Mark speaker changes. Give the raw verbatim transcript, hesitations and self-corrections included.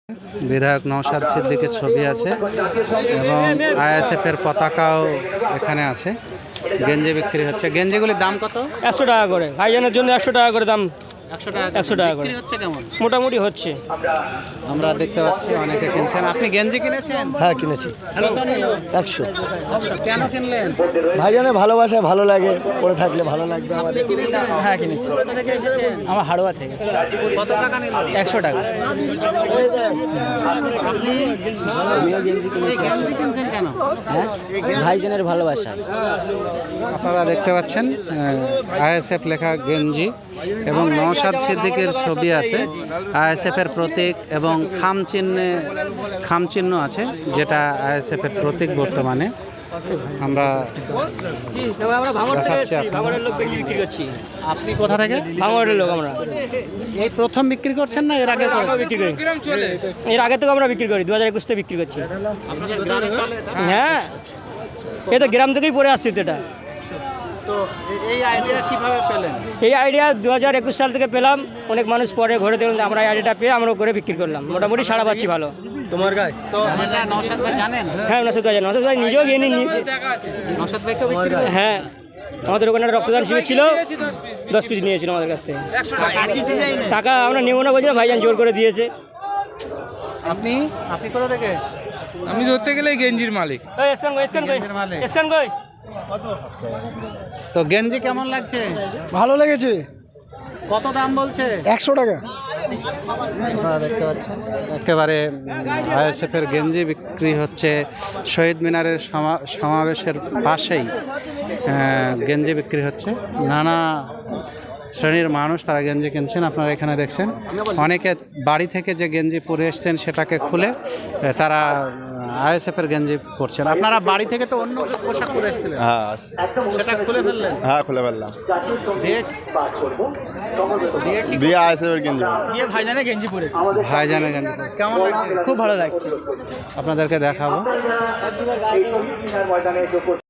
Speaker 1: বিধায়ক নওশাদ সিদ্দিকের ছবি আছে এবং আইএসএফ এর পতাকাও এখানে আছে। গেঞ্জি বিক্রি হচ্ছে। গেঞ্জিগুলির দাম কত?
Speaker 2: একশো টাকা করে। ভাইজানের জন্য একশো টাকা করে দাম।
Speaker 1: একশো টাকা
Speaker 2: একশো টাকা করে
Speaker 1: হচ্ছে। কেমন
Speaker 2: মোটামুটি হচ্ছে।
Speaker 1: আমরা দেখতে পাচ্ছি অনেকে কিনছেন। আপনি গেঞ্জি কিনেছেন?
Speaker 2: হ্যাঁ কিনেছি।
Speaker 1: কত নিল?
Speaker 2: একশো।
Speaker 1: কেন কিনলেন?
Speaker 2: ভাইজানের ভালোবাসা ভালো লাগে, পরে থাকলে ভালো লাগবে
Speaker 1: আপনি
Speaker 2: আমাদের।
Speaker 1: কিনেছেন?
Speaker 2: হ্যাঁ কিনেছি।
Speaker 1: কোথা থেকে এসেছেন?
Speaker 2: আমার হাড়োয়া থেকে।
Speaker 1: কত টাকা নিল?
Speaker 2: একশো টাকা।
Speaker 1: আপনি
Speaker 2: আমিও গেঞ্জি
Speaker 1: এই
Speaker 2: কিনেছি।
Speaker 1: গেঞ্জি কিনছেন কেন?
Speaker 2: হ্যাঁ ভাইজানের ভালোবাসা।
Speaker 1: আপনারা দেখতে পাচ্ছেন আইএসএফ লেখা গেঞ্জি এবং নওশাদ সিদ্দিকের ছবি আছে। আইএসএফ এর প্রতীক এবং খাম চিহ্নে খাম চিহ্ন আছে, যেটা আইএসএফ এর প্রতীক বর্তমানে। আমরা
Speaker 2: আমরা ভাঙড় থেকে
Speaker 1: দেখাচ্ছি
Speaker 2: এসেছি,
Speaker 1: আপনাদের।
Speaker 2: ভাঙড়ের লোক গেঞ্জি বিক্রি করছি।
Speaker 1: আপনি কোথা থেকে?
Speaker 2: ভাঙড়ের লোক আমরা।
Speaker 1: এই প্রথম বিক্রি করছেন না এর আগে করে?
Speaker 2: আমরা বিক্রি করি। এর আগে থেকে আমরা বিক্রি করি, দু হাজার একুশতে বিক্রি করছি।
Speaker 1: আপনাদের গ্রামে চলে এটা?
Speaker 2: হ্যাঁ এ তো গ্রাম থেকেই পড়ে আসছি তো এটা।
Speaker 1: তো এই আইডিয়া কিভাবে পেলেন?
Speaker 2: এই আইডিয়া দু হাজার একুশ সাল থেকে পেলাম। অনেক মানুষ পরে ঘরে দেখলাম যে আমরা এই আইডিয়াটা পেয়ে আমরা করে বিক্রি করলাম। মোটামুটি সাড়া পাচ্ছি ভালো। তোমার গায়ে
Speaker 1: তো এটা নওশাদ ভাই জানেন?
Speaker 2: হ্যাঁ নশো হাজার নশো ভাই নিজেও গিয়ে নিয়েছে।
Speaker 1: নওশাদ ভাইকেও বিক্রি করেন?
Speaker 2: হ্যাঁ আমাদের ওখানে রক্তদান শিবির ছিল, দশ পিস নিয়েছিল আমাদের কাছ থেকে। টাকা আমরা নেবো না বলছিলাম, ভাইজান জোর করে দিয়েছে।
Speaker 1: আপনি আপনি কোথা থেকে?
Speaker 3: আমি ধরতে গেলে গেঞ্জির মালিক।
Speaker 1: গেঞ্জির মালিক। তো গেঞ্জি কেমন লাগছে?
Speaker 2: ভালো লেগেছে।
Speaker 1: কত দাম বলছে?
Speaker 2: একশো টাকা।
Speaker 1: আপনারা দেখতে পাচ্ছেন একেবারে আইএসএফ এর গেঞ্জি বিক্রি হচ্ছে। শহীদ মিনারের সমা- সমাবেশের পাশেই আহ, গেঞ্জি বিক্রি হচ্ছে। নানা শ্রেণীর মানুষ তারা গেঞ্জি কিনছেন। আপনারা এখানে দেখছেন অনেকে বাড়ি থেকে যে গেঞ্জি পরে এসছেন সেটাকে খুলে আহ, তারা আইএসএফ এর গেঞ্জি পরছেন। আপনারা বাড়ি থেকে তো অন্য পোশাক পরে এসেছিলেন,
Speaker 4: হ্যাঁ
Speaker 1: সেটা খুলে ফেললেন?
Speaker 4: হ্যাঁ খুলে ফেললাম।
Speaker 1: দিয়ে দিয়ে কি
Speaker 4: দিয়ে আইএসএফের গেঞ্জি।
Speaker 2: দিয়ে ভাইজানের গেঞ্জি পরে
Speaker 1: ভাইজানের গেঞ্জি পরেছেন। কেমন লাগছে?
Speaker 2: খুব ভালো লাগছে।
Speaker 1: আপনাদেরকে দেখাবো।